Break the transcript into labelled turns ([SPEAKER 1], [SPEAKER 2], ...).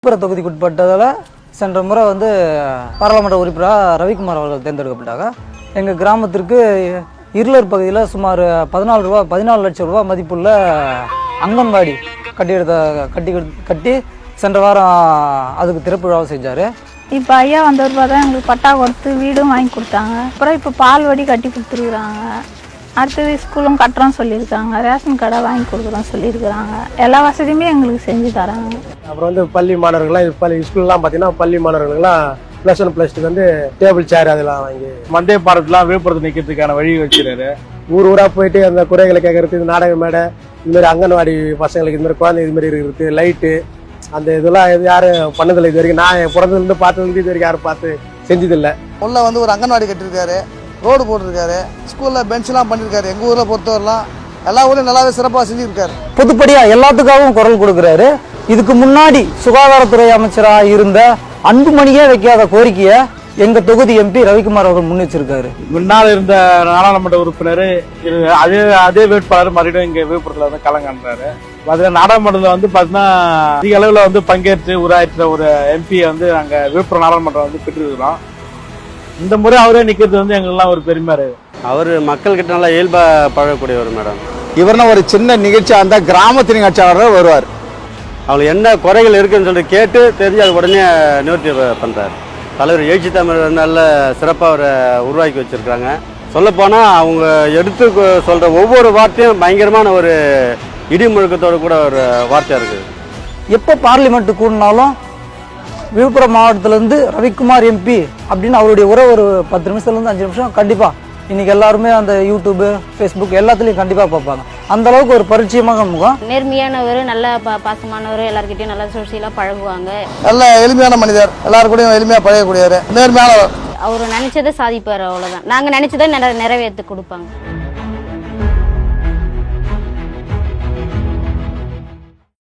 [SPEAKER 1] விழுப்புரம் தொகுதிக்குட்பட்டதால் சென்ற முறை வந்து பாராளுமன்ற உறுப்பினராக ரவிக்குமார் அவர்கள் தேர்ந்தெடுக்கப்பட்டாங்க. எங்கள் கிராமத்திற்கு இருளர் பகுதியில் சுமார் 14 லட்சம் ரூபா மதிப்புள்ள அங்கன்வாடி கட்டி சென்ற வாரம் அதுக்கு திறப்பு விழாவை செஞ்சார்.
[SPEAKER 2] இப்போ ஐயா வந்த ரூபா தான் எங்களுக்கு பட்டா கொடுத்து வீடும் வாங்கி கொடுத்தாங்க. அப்புறம் இப்போ பால் வடி கட்டி கொடுத்துருக்குறாங்க. அடுத்தது ஸ்கூலும் கட்டுறோம் சொல்லியிருக்காங்க. ரேஷன் கடை வாங்கி கொடுக்குறோம் சொல்லியிருக்கிறாங்க. எல்லா வசதியுமே எங்களுக்கு செஞ்சு தராங்க.
[SPEAKER 3] அப்புறம் வந்து பள்ளி மாணவர்கள்லாம் ஸ்கூல்லாம் பார்த்தீங்கன்னா பள்ளி மாணவர்களுக்கெல்லாம் +1 +2 வந்து டேபிள் சேர் அதெல்லாம் வாங்கி
[SPEAKER 4] வந்தே பாரத்லாம் விழுப்புரத்தை நிற்கிறதுக்கான வழி வச்சுருக்காரு.
[SPEAKER 3] ஊராக போயிட்டு அந்த குறைகளை கேட்கறது, இந்த நாடக மேடை, இதுமாதிரி அங்கன்வாடி பசங்களுக்கு இதுமாதிரி குழந்தை இதுமாதிரி இருக்கிறது, லைட்டு, அந்த இதெல்லாம் யாரும் பண்ணதில்லை இது வரைக்கும். நான் பிறந்ததுலேருந்து பார்த்ததுலேருந்து இது வரைக்கும் யாரும் பார்த்து செஞ்சதில்லை.
[SPEAKER 5] உள்ள வந்து ஒரு அங்கன்வாடி கட்டியிருக்காரு, ரோடு போட்டிருக்காரு, ஸ்கூலில் பெஞ்ச்லாம் பண்ணியிருக்காரு. எங்கள் ஊரில் பொறுத்தவரைலாம் எல்லா ஊர்லையும் நல்லாவே சிறப்பாக செஞ்சுருக்காரு.
[SPEAKER 1] பொதுப்படியாக எல்லாத்துக்காகவும் குரல் கொடுக்குறாரு. இதுக்கு முன்னாடி சுகாதாரத்துறை அமைச்சராக இருந்த அன்புமணியே வைக்காத கோரிக்கையை எங்கள் தொகுதி எம்பி ரவிக்குமார் அவர்கள் முன்வச்சிருக்காரு.
[SPEAKER 4] முன்னால் இருந்த நாடாளுமன்ற உறுப்பினர் அதே வேட்பாளர் மறுபடியும் இங்கே விழுப்புரத்தில் வந்து களங்காண்றாரு. அதில் நாடாளுமன்றத்தில் வந்து பார்த்தீங்கன்னா அதிக அளவில் வந்து பங்கேற்று உரையாற்ற ஒரு எம்பியை வந்து நாங்கள் விழுப்புரம் நாடாளுமன்றம் வந்து பெற்றிருக்கிறோம். இந்த முறை அவரே நிற்கிறது வந்து எங்கெல்லாம் ஒரு பெருமையாக இருக்குது.
[SPEAKER 6] அவர் மக்கள்கிட்ட நல்லா இயல்பா பழகக்கூடியவர் மேடம்.
[SPEAKER 7] இவர்னா ஒரு சின்ன நிகழ்ச்சி அந்த கிராமத்து நிகழ்ச்சியாளர் வருவார்.
[SPEAKER 6] அவங்களுக்கு என்ன குறைகள் இருக்குன்னு சொல்லிட்டு கேட்டு தெரிஞ்சு அது உடனே நிவர்த்தி பண்ணுறாரு. தலைவர் எழுச்சி தமிழ் நல்ல சிறப்பாக அவரை உருவாக்கி வச்சுருக்காங்க. சொல்லப்போனால் அவங்க எடுத்து சொல்கிற ஒவ்வொரு வார்த்தையும் பயங்கரமான ஒரு இடி முழக்கத்தோடு கூட ஒரு வார்த்தையாக இருக்குது.
[SPEAKER 1] எப்போ பார்லிமெண்ட்டு கூடினாலும் விழுப்புரம் மாவட்டத்திலேருந்து ரவிக்குமார் எம்பி அப்படின்னு அவருடைய உரை ஒரு 10 நிமிஷத்துலேருந்து 5 நிமிஷம் கண்டிப்பாக இன்னைக்கு எல்லாருமே அந்த யூடியூப், ஃபேஸ்புக் எல்லாத்துலேயும் கண்டிப்பாக பார்ப்பாங்க. அந்த அளவுக்கு ஒரு பரிச்சயமாக முகம்.
[SPEAKER 8] நேர்மையானவர், நல்ல பாசமானவர், எல்லாருக்கிட்டையும் நல்லா சோசியலாக பழகுவாங்க.
[SPEAKER 5] நல்ல எளிமையான மனிதர், எல்லாரு கூடயும் எளிமையாக பழகக்கூடியவர், நேர்மையானவர்.
[SPEAKER 8] அவர் நினைச்சதை சாதிப்பார், அவ்வளோதான். நாங்கள் நினைச்சதை நிறைவேற்றி கொடுப்பாங்க.